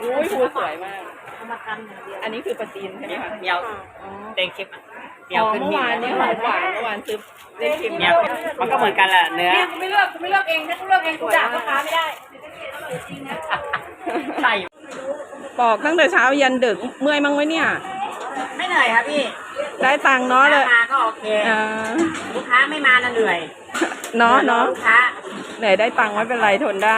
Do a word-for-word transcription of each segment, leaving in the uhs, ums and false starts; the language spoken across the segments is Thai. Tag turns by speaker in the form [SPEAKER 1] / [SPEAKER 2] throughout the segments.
[SPEAKER 1] อุ้ยภูสวยมาก
[SPEAKER 2] เอามาทำอย่างเดียว
[SPEAKER 1] อันนี้คือปลาจีนใช่ไหมคะ
[SPEAKER 3] เดียว
[SPEAKER 1] อ๋อ
[SPEAKER 3] เต็งชิมเดี
[SPEAKER 1] อ๋
[SPEAKER 3] ยว
[SPEAKER 1] อ
[SPEAKER 3] ขึ้น
[SPEAKER 1] เมื่อ
[SPEAKER 3] หิ้ง
[SPEAKER 1] วานนี้หอมหวานเมื่อวานซื้อเล่นชิม
[SPEAKER 3] เดียวมันก็เหมือนกันแหละเนื้อ
[SPEAKER 2] เนี่ยกูไม่เลือกกูไม่เลือกเองถ้ากูเลือกเองกูด่าพ่อค้าไม่ได้
[SPEAKER 3] ใช่
[SPEAKER 1] ปอกตั้งแต่เช้ายันดึกเมื่อยมั้งไหมเนี่ย
[SPEAKER 3] ไม่เหนื่อยครับพี่
[SPEAKER 1] ได้ตังค์เนาะเลย
[SPEAKER 3] มาก็โอเค
[SPEAKER 1] อ่า
[SPEAKER 3] ลูกค้าไม่มาน่ะเหนื่อย
[SPEAKER 1] เนาะเนาะ
[SPEAKER 3] ลูกค้า
[SPEAKER 1] เหนื่อยได้ตังค์ไม่เป็นไรทนได้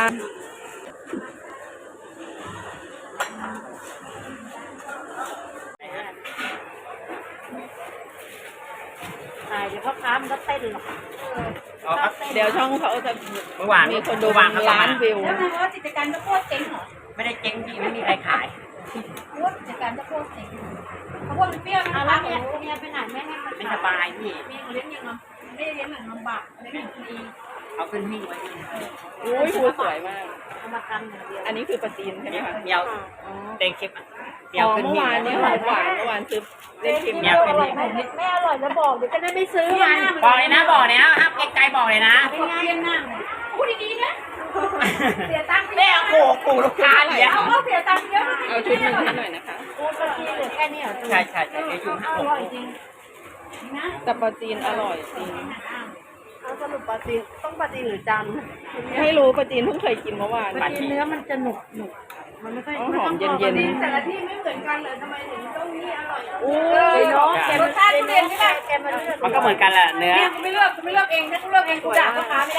[SPEAKER 2] ตายเดี๋ยวพ่อค้ามันก็เต้นหรอก
[SPEAKER 3] อ๋อครับ
[SPEAKER 1] เดี๋ยวช่องเขาจะ
[SPEAKER 3] เมื่อวาน
[SPEAKER 1] มีคนดู
[SPEAKER 3] เมื่อวานเขาก็
[SPEAKER 1] ล้าน
[SPEAKER 3] มา
[SPEAKER 1] วิว
[SPEAKER 2] แล้วนายว่ากิจการจะโคตรเจ๊งเหรอ
[SPEAKER 3] ไม่ได้เจ๊งพี่ไม่มีใครขาย
[SPEAKER 2] ว่ากิจการจะโคตรเจ๊งเขาพูดมันเปรี้ยวนะแล้วเนี่ยเมียไปไหนแม่ให้มัน
[SPEAKER 3] ไม่สบายพี่
[SPEAKER 2] เมียเลี้ยงยังลำไม่ได้เลี้ยงอย่างลำบากเลี้ยงอย่างดี
[SPEAKER 3] เอาขึ้นหิ้งไว้พี่
[SPEAKER 1] อุ้ยภูสวยมาก
[SPEAKER 2] เอามาทำอย่างเดียว
[SPEAKER 1] อันนี้คือปลาจีนใช่ไหมคะ
[SPEAKER 3] เดียว
[SPEAKER 1] อ๋อ
[SPEAKER 3] เต็งชิมเดีย
[SPEAKER 1] อ๋
[SPEAKER 3] ว
[SPEAKER 1] อ
[SPEAKER 3] ขึ้น
[SPEAKER 1] เมื่อ
[SPEAKER 3] หิ้ง
[SPEAKER 1] วานนี้หอมหวานเมื่อวานซื้อเล่นชิม
[SPEAKER 3] เดียวขึ้นหิ้ง
[SPEAKER 2] ไม่อร่อยแล้วบอกเดี๋ยวจะได้ไม่ซื้อมัน
[SPEAKER 3] บอกเลยนะบอกเลยนะห้ามเกรงใจบอกเลยนะ
[SPEAKER 2] เป็นไงยังนั่งพูดดีๆนะเสียตังค์
[SPEAKER 3] แม่โอ้โหลูกค้าเดี๋ยว
[SPEAKER 2] เอาเขาเสียตังค์เยอะ
[SPEAKER 1] เอาชุดหนึ่งให้หน่อยนะคะ
[SPEAKER 2] โอ้ปลาจีนเหลือแค่นี้เหรอ
[SPEAKER 3] ใช่ใช่ใช่เดี๋ยวอยู่ห้า
[SPEAKER 2] อ
[SPEAKER 3] หก
[SPEAKER 2] ร่อยจริงนะ
[SPEAKER 1] แต่ปลาจีนอร่อยจริง
[SPEAKER 2] เอาสรุปปลาจีนต้องปลาจีนหรือจาน
[SPEAKER 1] ไม่รู้ปลาจีนเพิ่งเคยกินเมื่อวาน
[SPEAKER 2] ปลาจีนเนื้อมันจะหนุกหนุกมันไม่ค่อย
[SPEAKER 1] อ๋อหอมเย็นๆ
[SPEAKER 2] แต่ละที่ไม่เหมือนกันเลยทำไมถึงต้องนี่อร่อย
[SPEAKER 1] อุ้
[SPEAKER 2] เอย อเนาะแกรสชาติทุเรียนไม่ได้แกมาเลือก
[SPEAKER 3] มันก็เหมือนกันแหละเนื้อ
[SPEAKER 2] เนี่ยกูไม่เลือกกูไม่เลือกเองถ้ากูเลือกเองกูด่าพ่อค้าไม่ได้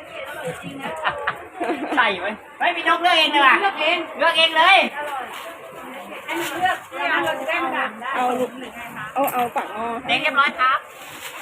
[SPEAKER 3] ใช่ไหมไม่มีนกเลือกเองเลยว่ะ
[SPEAKER 2] เลือกเอง
[SPEAKER 3] เลือกเองเลย
[SPEAKER 2] ให้มันเลือกแล้วเราจะได้มาด่าได้
[SPEAKER 1] เอาลูกเอาเอาฝักงอ
[SPEAKER 3] เต็งเรียบร้อยครับ
[SPEAKER 2] อ